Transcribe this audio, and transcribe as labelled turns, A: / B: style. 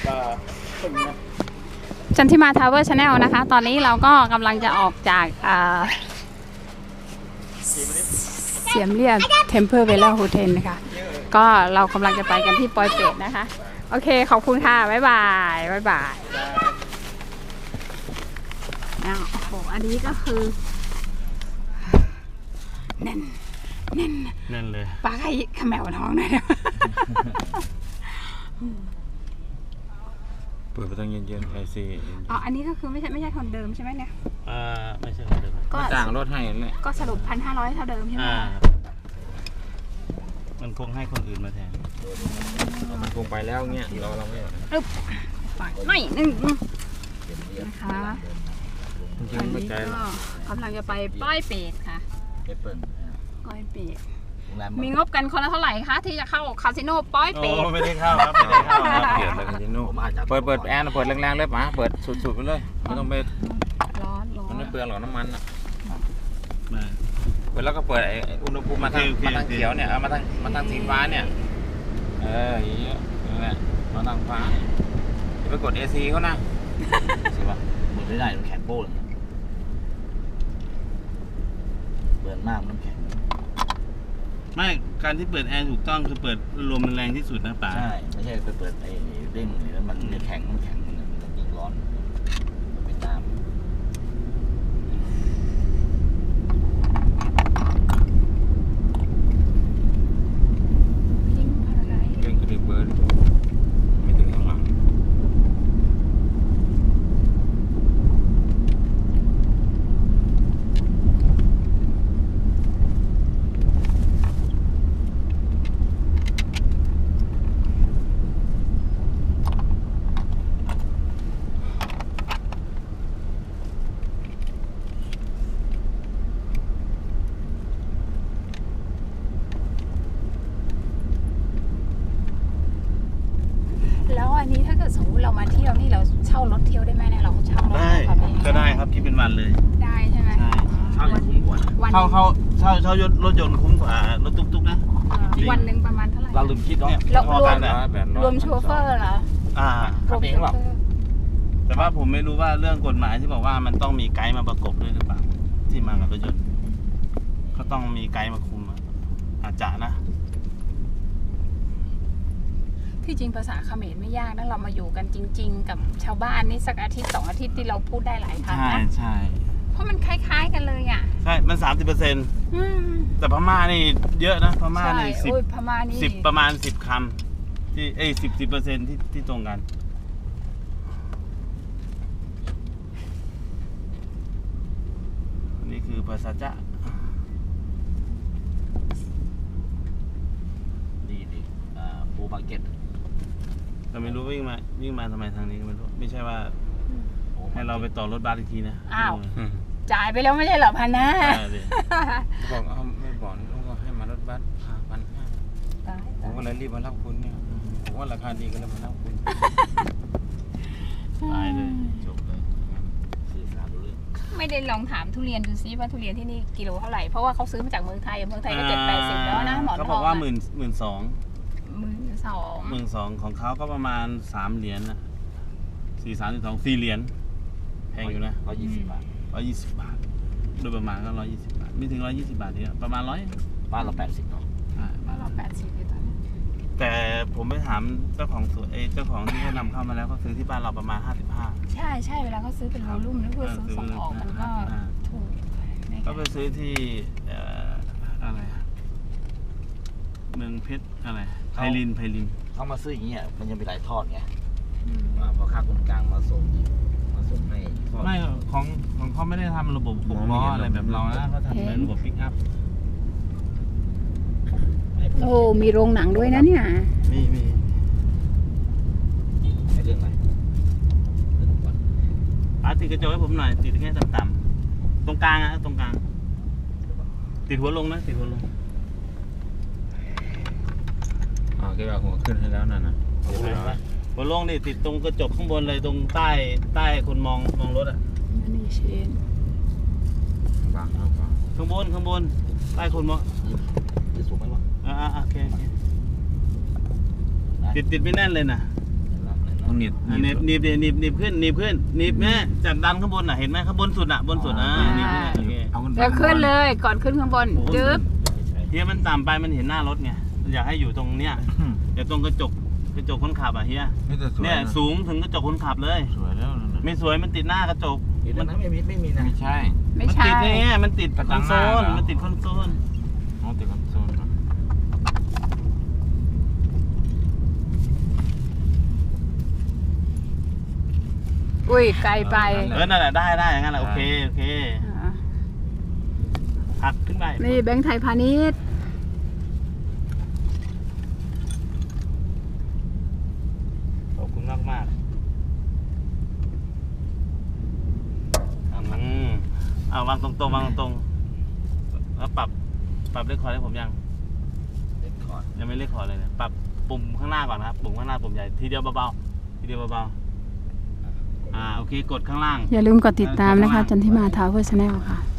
A: จันทิมาทาวเวอร์ชาแนลนะคะตอนนี้เราก็กำลังจะออกจากเสียมเรียบเทมเพอร์เวลล์โฮเทลนะคะก็เรากำลังจะไปกันที่ปอยเปตนะคะโอเคขอบคุณค่ะบ๊ายบายบ๊ายบายโอ้โหอันนี้ก็คือแน่นเลยปลาไข่ขมแมวท้องหน่อยนะ
B: เปิดไปตั้งเย็นๆไอซี
A: อ๋ออันนี้ก็คือไม่ใช่คนเดิมใช่ไหมเนี่ย
C: ไม่ใช่คนเดิม
A: ก็
B: ต่างรถให้เลย
A: ก็สรุป 1,500 เท่าเดิมใช่ไหม
C: มันคงให้คนอื่นมาแทน
B: มันคงไปแล้วเงี้ยเราไม่
A: ไปไม่นึงนะคะ
B: จริงๆไม่ใจหรอก
A: กำลังจะไปป้อยเปตค่ะป้อยเปตมีงบกันคนละเท่าไหร่คะที่จะเข้าคาสิโนป้อยเปต
C: ไม่ได้เข้าครับไม่ได้เข้า
B: เปลี่ยนเลยคาสิโนเปิดแอร์เปิดแรงๆเลยป๋าเปิดสุดๆไปเลยไม่ต้องไป
A: ร้อน
B: มันไม่เปลืองหรอกน้ำมันอ่ะเปิดแล้วก็เปิดอุณหภูมิมาทางเขียวเนี่ยมาทางสีฟ้าเนี่ยอย่างเงี้ยนั่นแหละมาทางฟ้าอย่าไปกด AC เขานะใช่ปะ
D: หมดไม่ได้มันแข็งโป้เลยเบิร์นมากน้ำแข็ง
C: ไม่การที่เปิดแอร์ถูกต้องคือเปิดลมมันแรงที่สุดนะป๋า
D: ใช่ไม่ใช่ไปเปิดไอ้เด้งแล้วมันจะแข็งมันยิ่งร้อนมันเป็นน้ำ
B: เก่งกระดิ่งเบิร์นไม่ถึงข้างหลัง
A: อันนี้ถ้าเกิดสมมติเรามาเที่ยวนี่เราเช่ารถเที่ยวได้ไหมเนี่ยเราเช่ารถ
C: ได้ก็ได้ครับคิดเป็นวันเลย
A: ได้ใช่ไหม
C: ใช่
D: เช่าคุ้มกว่า
C: เช่ารถยนต์คุ้มกว่ารถตุ๊กๆนะ
A: วันหนึ่งประมาณเท่าไหร่
D: เราลืมคิดเนาะ
A: รวมโชเฟอร์เหรอ
D: ขับเองหรอ
C: แต่ว่าผมไม่รู้ว่าเรื่องกฎหมายที่บอกว่ามันต้องมีไกด์มาประกบด้วยหรือเปล่าที่มากับรถยนต์เขาต้องมีไกด์มาคุมอาจจะนะ
A: ที่จริงภาษาเขมรไม่ยากนะเรามาอยู่กันจริงๆกับชาวบ้านนี่สักอาทิตย์2 อาทิตย์ที่เราพูดได้หลายครั้งนะ
C: ใช่
A: เพราะมันคล้ายๆกันเลยอ่ะ
C: ใช่มัน 30%แต่พม่านี่เยอะนะพม่านี่
A: พม่านี่
C: 10ประมาณ10 คำที่10% ที่ตรงกันนี่คือภาษาจ้า
D: ปูมาร์เก็ต
C: เราไม่รู้วิ่งมาทำไมทางนี้ก็ไม่รู้ไม่ใช่ว่าให้เราไปต่อรถบัสอีกทีนะ
A: อ้าวจ่ายไปแล้วไม่ใช่เหรอ1,500
B: บอกไม่บอกก็ให้มารถบัส1,500ผมก็เลยรีบมารับคุณเนี่ยผมว่าราคาดีก็เลยมารับคุณ
C: ตายเลยจบเลย
D: สื่อสารรู้เรื่อง
A: ไม่ได้ลองถามทุเรียนดูซิว่าทุเรียนที่นี่กิโลเท่าไหร่เพราะว่าเขาซื้อมาจากเมืองไทยก็7-80แล้วนะหมอนทอง
C: เขาบอกว่า12,000 ของเขาก็ประมาณ3 เหรียญนะ4 เหรียญแพงอยู่นะ
D: 120 บาท
C: 120 บาทโดยประมาณก็120 บาทไม่ถึง120 บาทนี่ประมาณ100
D: บ้านเรา80เนาะ
A: บ้านเรา80เลยตอนนี้
C: แต่ผมไปถามเจ้าของสวนเจ้าของที่เขานำเข้ามาแล้วเขาซื้อที่บ้านเราประมาณ55
A: ใช่เวลาเขาซื้อเป็นวอลลุ่มแล้วคือซื้อส่งออกมันก็ถูก
C: ก็ไปซื้อที่อะไรเมืองเพชรอะไรไพลิน
D: เขามาซื้ออย่างเงี้ยมันยังมีหลายทอดไงพอค่าคนกลางมาส่งให้
C: ไม่ของเขาไม่ได้ทำระบบ6 ล้ออะไรแบบเรานะเขาทำเป็นระบบปิกอัพ
A: โอ้มีโรงหนังด้วยนะเนี่ย
C: มี
D: เรื่องอะไร
C: ติดกระจกให้ผมหน่อยติดแค่ต่ำๆตรงกลางตรงกลางติดหัวลงนะติดหัวลง
B: แกเอาหัวขึ้นให้แล้วนะ
C: หัวลงนี่ติดตรงกระจกข้างบนเลยตรงใต้คนมองรถอ่ะ
A: นี่เชน
B: บางข้
C: างบนใต้คนมอง
D: จะสูงไหมวะ
C: โอเคติดไม่แน่นเลยนะ
B: ต้องหนีบ
C: หนีบขึ้นแม่จัดดันข้างบนอ่ะเห็นไหมข้างบนสุดอ่ะบนสุดหนีบโอเค
B: เอาขึ้นไป
A: เดี๋ยวขึ้นเลยก่อนขึ้นข้างบนจึ๊บ
C: เฮียมันต่ำไปมันเห็นหน้ารถไงอยากให้อยู่ตรงเนี้ยเดี๋ยวตรงกระจกคนขับอ่ะเฮีย
B: ไม่แต่สวย
C: เนี่ยสูงถึงกระจกคนขับเลย
B: สวยแล้วนั่นน่ะ
C: ไม่สวยมันติดหน้ากระจก
D: เดี๋ยวนั้นไม่มีนะ
B: ไม่ใช่
A: ไม่
C: มัน
A: ใช่
C: ติดเนี่ยมันติด
B: กระ
C: ค
B: จั
C: อน
B: งห
C: โซ
B: น้า
C: ล
B: เหรอ
C: มันติดคอนโซล
B: อ๋อติดคอนโซลเหรอ
A: อุ้ยไกลไป
C: นั่นแหละได้อย่างนั้นแหละโอเค
A: อ่า
C: หักขึ้นไป
A: นี่แบงค์ไทยพาณิชย์
C: ขอบคุณมากวางตรงๆแล้วปรับเลขคอร์ดให้ผมยัง
D: เด็ดคอร์ด
C: ยังไม่เลขคอร์ดเลยเนี่ยปรับปุ่มข้างหน้าก่อนนะครับปุ่มข้างหน้าปุ่มใหญ่ทีเดียวเบาๆโอเคกดข้างล่าง
A: อย่าลืมกดติดตามนะคะ จันทิมาทาวเวอร์ชาแนลค่ะ